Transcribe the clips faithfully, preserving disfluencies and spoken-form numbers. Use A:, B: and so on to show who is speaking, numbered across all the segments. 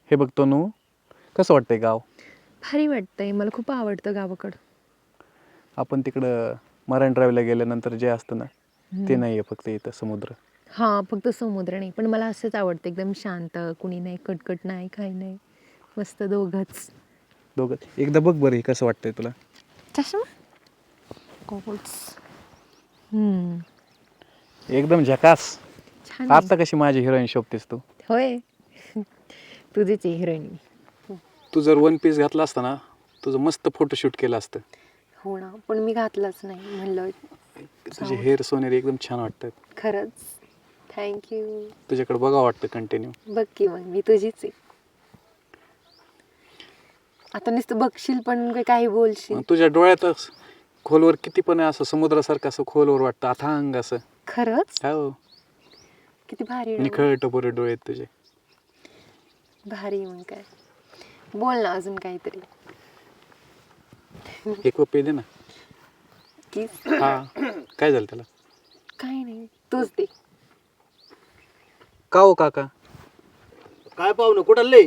A: हे बघ तनू, कसं वाटतंय गाव?
B: भारी वाटतंय, मला खूप आवडतं गावाकडं.
A: आपण तिकडं मरायन ड्राईव्हला गेल्यानंतर जे असतं ना, ते
B: हम्म.
A: नाही आहे फक्त इथं समुद्र.
B: हा, फक्त समुद्र नाही, पण मला असंच आवडतं, एकदम शांत, कुणी नाही, कटकट नाही, काही नाही, मस्त दोघंच.
A: दोघं एकदा बघ बरं, हे कसं वाटतंय तुला?
B: चष्मा गोगल्स. हम्म.
A: एकदम झकास.
B: छान आहे.
A: आता कशी माझी हिरोईन शोभतेस तू.
B: होय. तुझीच हिरोईन.
A: तू जर वन पीस घातला असता ना, तुझं मस्त फोटोशूट केलं असतं.
B: हो ना, पण मी घातलंच नाही, म्हणलं
A: तुझे हेअर सोनेरी एकदम छान वाटतात.
B: खरंच थँक्यू.
A: तुझ्याकडे बघा वाटतं कंटिन्यू.
B: बघ की मग, मी तुझीच आहे. आता नुसतं बघशील पण काही बोलशील.
A: तुझ्या डोळ्यातच खोलवर किती पण आहे, असं समुद्रासारखं असं खोलवर वाटतं, अथांग असं.
B: खरंच
A: हो,
B: किती भारी डोळे.
A: निखळ टपोरे डोळे आहेत तुझे.
B: भारी. मग काय बोल ना अजून काहीतरी.
A: एक पे दे ना.
B: किस.
A: हा, काय झालं त्याला?
B: काही नाही, तूच दे.
A: का हो काका?
C: काय पाहुणं कुठं लय?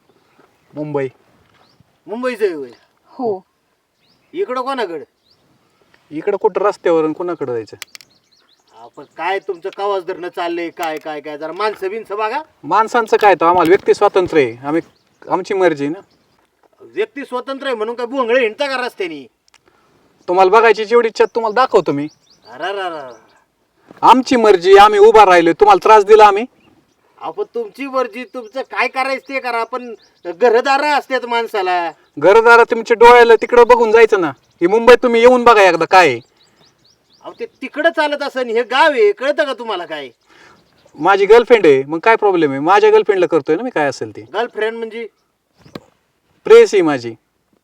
A: मुंबई.
C: मुंबईचं आहे होय.
B: हो.
C: इकडं कोणाकडं?
A: इकडं कुठं रस्त्यावरून कोणाकडे जायचं?
C: आपण काय तुमचं कावाज धरणं चाललंय, काय काय काय जरा माणसं बिनसं बघा.
A: माणसांचं काय, तर आम्हाला व्यक्ती स्वातंत्र्य आहे, आम्ही आमची मर्जी आहे ना.
C: व्यक्ती स्वतंत्र आहे म्हणून काय भोंगळे हिंडता का रस्त्यानी?
A: तुम्हाला बघायची जेवढी इच्छा तुम्हाला दाखवतो मी.
C: अरा
A: आमची मर्जी, आम्ही उभा राहिलो, तुम्हाला त्रास दिला आम्ही?
C: आपण तुमची मर्जी, तुमचं काय करायचं ते करा, पण घरदार असतात माणसाला.
A: घरदारा तुमच्या डोळ्याला तिकडं बघून जायचं ना. ही मुंबईत तुम्ही येऊन बघा एकदा काय आहे.
C: अहो ते तिकडं चालत असेल, हे गाव आहे, कळतं का तुम्हाला काय?
A: माझी गर्लफ्रेंड आहे, मग काय प्रॉब्लेम आहे? माझ्या गर्लफ्रेंडला करतोय ना मी काय असेल ते.
C: गर्लफ्रेंड म्हणजे
A: प्रेस आहे माझी.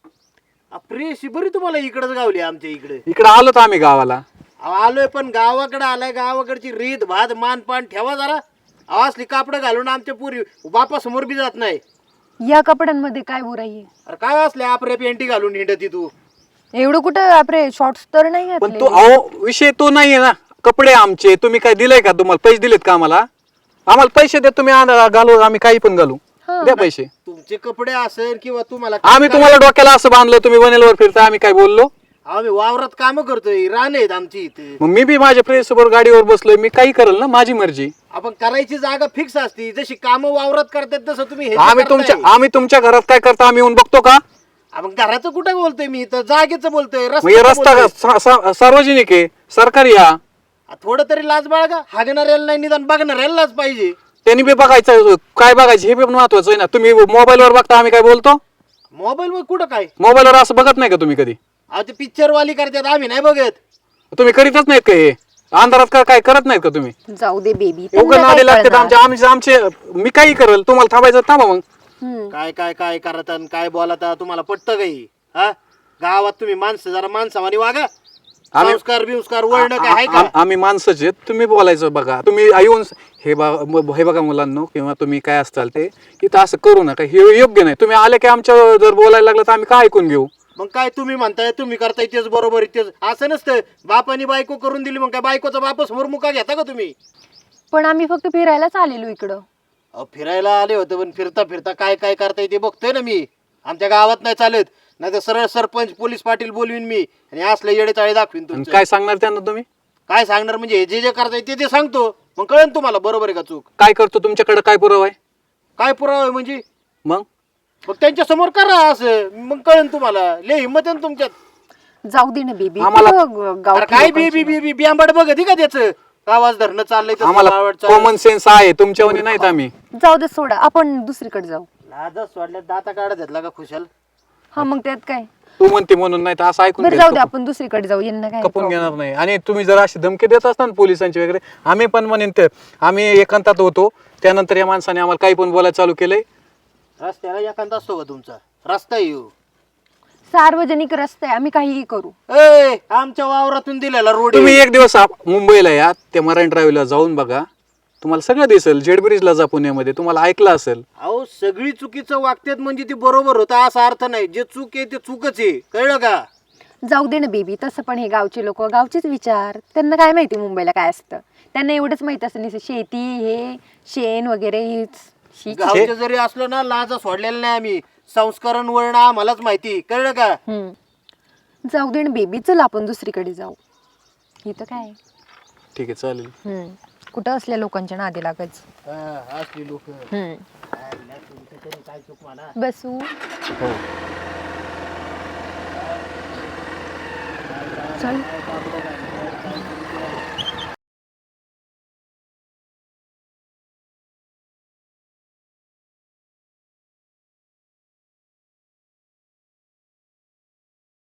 C: प्रेशी बरी तुम्हाला इकडंच गावली आमच्या इकडे.
A: इकडं आलो तर आम्ही गावाला.
C: अहो आलोय, पण गावाकडे आलाय, गावाकडची रीत भात मानपान ठेवा जरा. अहो असली कापडं घालून आमच्या पुरी बापासमोर बी जात नाही.
B: या कपड्यांमध्ये काय बुराई आहे?
C: अरे काय असले आपरे पेंटी घालून हिंडती तू?
B: एवढं कुठं आपले शॉर्ट्स तर नाही
A: पण
B: घातले.
A: तो अहो विषय तो नाहीये ना. कपडे आमचे, तुम्ही काय दिलंय का? तुम्हाला पैसे दिलेत का आम्हाला? आम्हाला पैसे द्या, तुम्ही आण- घालू, आम्ही काही पण घालू. द्या पैसे.
C: तुमचे कपडे असेल किंवा तुम्हाला
A: आम्ही तुम्हाला डोक्याला असं बांधलं, तुम्ही वनेलवर फिरता, आम्ही काय बोललो?
C: आम्ही वावरात काम करतोय, रान आहेत आमची इथे.
A: मग मी बी माझ्या प्रेस बरोबर गाडीवर बसलोय, मी काही करेल ना, माझी मर्जी.
C: आपण करायची जागा फिक्स असती, जशी काम वावरात करतात तसं तुम्ही हे
A: आम्ही तुमच्या आम्ही तुमच्या घरात काय करता आम्ही येऊन बघतो का?
C: आपण घराचं कुठं बोलतोय, मी तर जागेचं बोलतोय.
A: मग हे
C: रस्त्याचं
A: रस्ता
C: बोलतोय.
A: सा- सा- सार्वजनिक आहे, सरकारी या.
C: आ, थोडं तरी लाज बाळगा. हागणाऱ्याला नाही निदान बघणाऱ्याला लाज पाहिजे.
A: त्यांनी बी बघायचं, काय बघायचं हे बी महत्वाचं आहे ना. तुम्ही मोबाईलवर बघता, आम्ही काय बोलतो?
C: मोबाईल वर कुठं काय?
A: मोबाईलवर असं बघत नाही का तुम्ही कधी?
C: अहो ते पिक्चर वाली करतात, आम्ही नाही बघत.
A: तुम्ही करीतच नाहीत का हे? अंधारात का काय करत नाहीत का तुम्ही?
B: जाऊ दे बेबी.
A: उघड नादी लागतात आमच्या आमचे आमचे मी काही करेल, तुम्हाला थांबायचं थांबा मग.
C: काय काय काय करत आणि काय बोलता, तुम्हाला पटतं काही? हा, गावात तुम्ही माणसं जरा माणसावानी वागा.
A: आम्ही-
C: संस्कार बिंस्कार वळणं काय आहे
A: आ-
C: का?
A: आ- आम्ही माणसंच आहेत, तुम्ही बोलायचं बघा. तुम्ही येऊन हे बा- म- हे बघा मुलांनो, किंवा तुम्ही काय असताल ते इथं असं करू नका, हे योग्य नाही. तुम्ही आले की आमच्या जर बोलायला लागलं तर आम्ही काय ऐकून घेऊ?
C: मग काय तुम्ही म्हणताय, तुम्ही करताय तेच बरोबर आहे, तेच असं नसतं. बापानी बायको करून दिली, मग काय बायकोचा बाप समोर मुका घेता का तुम्ही?
B: पण आम्ही फक्त फिरायलाच आलेलो इकडं.
C: अहो, फिरायला आले होते, पण फिरता फिरता काय काय करताय ते बघतोय ना मी. आमच्या गावात नाही चालत, नाही तर सरळ सरपंच पोलीस पाटील बोलवीन मी आणि असले येडे चाळे दाखवीन
A: आणि
C: तुमचं.
A: काय सांगणार त्यांना तुम्ही?
C: काय सांगणार म्हणजे हे जे जे करताय ते ते सांगतो, मग कळेल तुम्हाला बरोबर आहे का चूक.
A: काय करतो? तुमच्याकडे काय पुरावा आहे?
C: काय पुरावा आहे म्हणजे?
A: मग
C: मग त्यांच्या समोर करा असं, मग कळेल तुम्हाला. लय हिंमत आहे ना तुमच्यात.
B: जाऊ दे ना बेबी.
A: आम्हाला-
C: अरे काय बी बी बी बी बियांबड बघत का त्याचं? आवाज धरणं चाललंय तसं
A: आम्हाला
C: आवड चाललंय.
A: कॉमन सेन्स आहे, तुमच्यावर नाहीत आम्ही.
B: जाऊ दे, सोडा, आपण दुसरीकडे जाऊ.
C: लाजच सोडल्या, दाता काढत घेतला का खुशाल?
B: हा, मग त्यात काय.
A: तू म्हणते म्हणून नाही तर असं ऐकून
B: बरं
A: घ्यायचं.
B: जाऊ दे, आपण दुसरीकडे जाऊ. यांना काय
A: कपून
B: problem.
A: घेणार नाही. आणि तुम्ही जर अशी धमकी देत असता ना पोलिसांची वगैरे, आम्ही पण म्हणेन ते आम्ही एकांतात होतो, त्यानंतर या माणसाने आम्हाला काही पण बोलायला चालू केलंय.
C: रस्त्याला एखादा असतो का तुमचा? रस्ता येऊ
B: सार्वजनिक रस्ते आहे, आम्ही काहीही करू.
C: ए आमच्या वावरातून दिलेला रोड
A: तुम्ही एक दिवस आप- मुंबईला या, त्या मरायन ड्राईव्हला जाऊन बघा, तुम्हाला सगळं दिसेल. जेड ब्रिजला जा पुण्यामध्ये, तुम्हाला ऐकलं असेल.
C: अहो सगळी चुकीचं वागतात म्हणजे ती बरोबर होता असा अर्थ नाही. जे चूक आहे ते चूकच आहे, कळलं का?
B: जाऊ दे ना बेबी. तसं पण हे गावचे लोक, गावचेच विचार, त्यांना काय माहिती मुंबईला काय असतं. त्यांना एवढंच माहित असतं, नुसतं शेती, हे शेण वगैरे हेच. शी.
C: गावचे जरी असलो ना लाजा सोडलेला नाही आम्ही. संस्करण वळणं आम्हालाच माहिती, कळलं का?
B: हम्म. जाऊ दे बेबी, चल आपण दुसरीकडे जाऊ. इथं काय
A: ठीक आहे चालेल.
B: हम्म. कुठं असल्या लोकांच्या नादी लागायचं.
C: हा, असली लोक
B: हम्म.
C: काय चूक म्हणा.
B: बसू.
A: हो
B: चल.